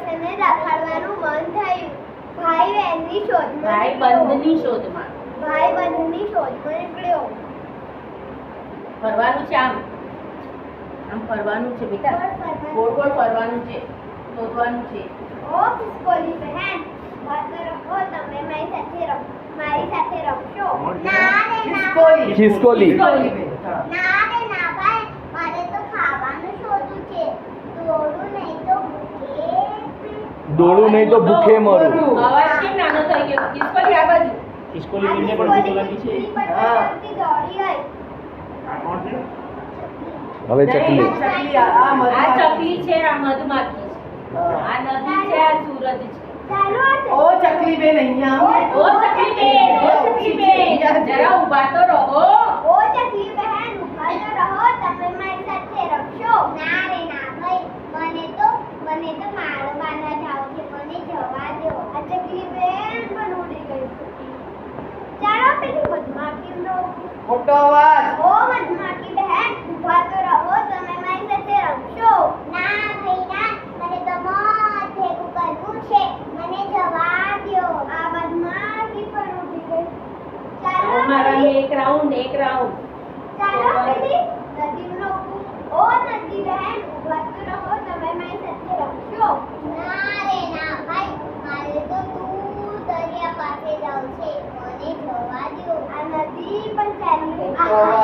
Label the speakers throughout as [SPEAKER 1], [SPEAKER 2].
[SPEAKER 1] માણસને રખડવાનું મન થયું. ભાઈ બહેનની શોધમાં
[SPEAKER 2] ભાઈબંધની શોધમાં
[SPEAKER 1] નીકળ્યો.
[SPEAKER 2] ફરવાનું છે, આમ ફરવાનું છે બેટા, ગોળ ગોળ ફરવાનું છે, શોધવાનું છે.
[SPEAKER 1] ઓ ખિસકોલી બહેન, વાત રખો, તમે મારી સાથે રમશો? ના રે ના.
[SPEAKER 3] ખિસકોલી.
[SPEAKER 1] ના રે ના ભાઈ, મારે તો ખાવાનું શોધવું છે. દોડું નહીં તો ભૂખે
[SPEAKER 3] મરું.
[SPEAKER 2] અવાજ કેમ નાનો થઈ ગયો? ખિસકોલી આ બાજુ.
[SPEAKER 3] ખિસકોલી બીજને પણ ભૂખ લાગી છે.
[SPEAKER 1] દોડી ગઈ.
[SPEAKER 3] હવે ચકલી.
[SPEAKER 2] આ ચકલી છે, આ મધમાખી છે, આ નદી છે, આ સૂરજ છે.
[SPEAKER 1] ચાલો
[SPEAKER 4] ઓ ચકલી બેન અહીંયા
[SPEAKER 2] ઓ ચકલી બેન, જરા ઊભા તો રહો.
[SPEAKER 1] ઓ ચકલી બહેન, ઊભા તો રહો, તમે મારી સાથે રમશો? ના રે ના ભાઈ, મને તો મારવાના જાવ છે, મને જવા દો. આ ચકલી બેન પણ ઉડી ગઈ. ચાલો પેલી મધમાખીનો
[SPEAKER 4] મોટો અવાજ
[SPEAKER 1] ઓ મધમાખી બહેન, ઊભા તો રહો, તમે મારી સાથે રમશો? ના ભાઈ ના, મને તો મોત ભેગું કરવું છે, મને જવા દો. આ મધમાખી પણ ઉડી ગઈ. ચાલો
[SPEAKER 2] મારા
[SPEAKER 1] પેલી-
[SPEAKER 2] એક રાઉન્ડ
[SPEAKER 1] ચાલો પેલી નદીનો ઓ નદી બહેન, ઊભા તો રહો, તમે મારી સાથે રમશો? ના રે ના ભાઈ, મારે તો દૂર દરિયા પાસે જવું છે, મને જવા દો. આ નદી પણ ચાલી ગઈ.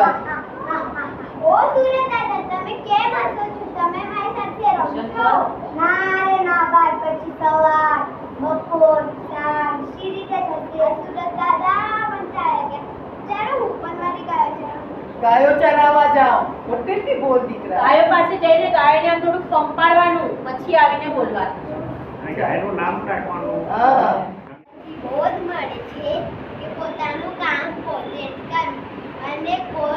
[SPEAKER 1] ઓ સૂર્ય દાદા, તમે કેમ હસો છો? તમે મારી સાથે રમશો? ના રે ના ભાઈ, પછી સવાર, બપોર, સાંજ સી રીતે થશે? સૂર્ય દાદા પણ ચાલ્યા ગયા. ચાલો હું પણ મારી ગાયો ચરાવું.
[SPEAKER 4] ગાયો ચરાવવા જાઓ મોટેથી બોલ દીકરા
[SPEAKER 2] ગાયો પાસે જઈને ગાયોને આમ થોડુંક પંપાડવાનું, પછી આવીને બોલવાનું.
[SPEAKER 5] ગાયનું નામ રાખવાનું.
[SPEAKER 4] હા
[SPEAKER 1] બોધ મળે છે કે પોતાનું કામ પોતે જ કરવું અને કોઈ